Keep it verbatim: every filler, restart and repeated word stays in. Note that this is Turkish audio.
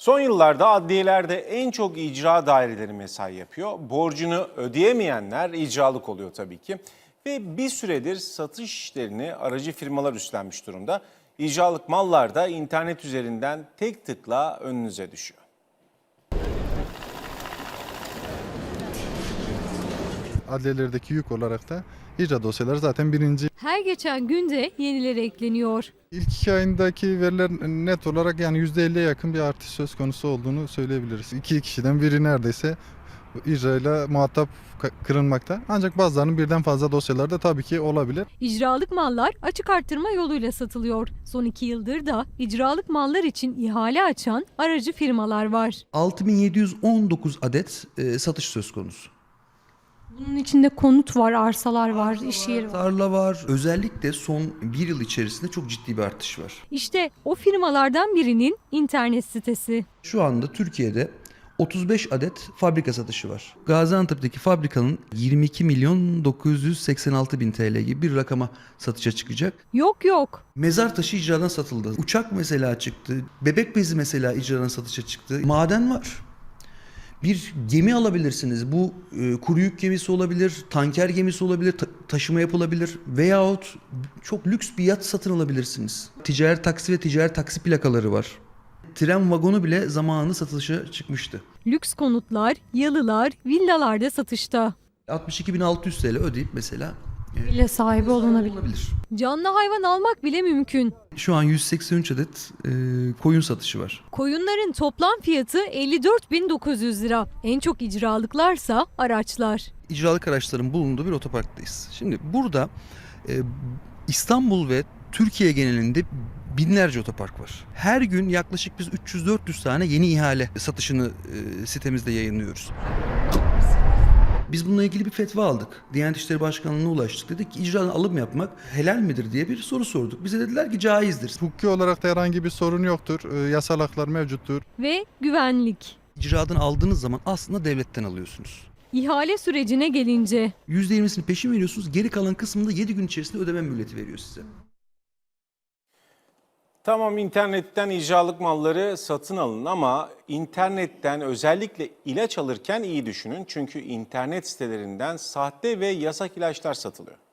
Son yıllarda adliyelerde en çok icra daireleri mesai yapıyor. Borcunu ödeyemeyenler icralık oluyor tabii ki. Ve bir süredir satış işlerini aracı firmalar üstlenmiş durumda. İcralık mallar da internet üzerinden tek tıkla önünüze düşüyor. Adliyelerdeki yük olarak da icra dosyaları zaten birinci. Her geçen günde yenileri ekleniyor. İlk iki ayındaki veriler net olarak yani yüzde elliye yakın bir artış söz konusu olduğunu söyleyebiliriz. İki kişiden biri neredeyse icrayla muhatap kırılmakta. Ancak bazılarının birden fazla dosyaları da tabii ki olabilir. İcralık mallar açık arttırma yoluyla satılıyor. Son iki yıldır da icralık mallar için ihale açan aracı firmalar var. altı bin yedi yüz on dokuz adet e, satış söz konusu. Bunun içinde konut var, arsalar var, iş yeri var. Tarla var. Özellikle son bir yıl içerisinde çok ciddi bir artış var. İşte o firmalardan birinin internet sitesi. Şu anda Türkiye'de otuz beş adet fabrika satışı var. Gaziantep'teki fabrikanın yirmi iki milyon dokuz yüz seksen altı bin T L gibi bir rakama satışa çıkacak. Yok yok. Mezar taşı icradan satıldı. Uçak mesela çıktı. Bebek bezi mesela icradan satışa çıktı. Maden var. Bir gemi alabilirsiniz. Bu e, kuru yük gemisi olabilir, tanker gemisi olabilir, ta- taşıma yapılabilir veyahut çok lüks bir yat satın alabilirsiniz. Ticari taksi ve ticari taksi plakaları var. Tren vagonu bile zamanında satışa çıkmıştı. Lüks konutlar, yalılar, villalarda satışta. altmış iki bin altı yüz T L ödeyip mesela e, Villa sahibi olunabilir. olabilir. Canlı hayvan almak bile mümkün. Şu an yüz seksen üç adet e, koyun satışı var. Koyunların toplam fiyatı elli dört bin dokuz yüz lira. En çok icralıklarsa araçlar. İcralık araçların bulunduğu bir otoparktayız. Şimdi burada e, İstanbul ve Türkiye genelinde binlerce otopark var. Her gün yaklaşık biz üç yüz dört yüz tane yeni ihale satışını e, sitemizde yayınlıyoruz. Biz bununla ilgili bir fetva aldık. Diyanet İşleri Başkanlığı'na ulaştık. Dedik ki icradan alım yapmak helal midir diye bir soru sorduk. Bize dediler ki caizdir. Hukuki olarak da herhangi bir sorun yoktur. Ee, Yasal haklar mevcuttur. Ve güvenlik. İcradan aldığınız zaman aslında devletten alıyorsunuz. İhale sürecine gelince yüzde yirmisini peşin veriyorsunuz. Geri kalan kısmını da yedi gün içerisinde ödeme mühleti veriyor size. Tamam, internetten icralık malları satın alın ama internetten özellikle ilaç alırken iyi düşünün. Çünkü internet sitelerinden sahte ve yasak ilaçlar satılıyor.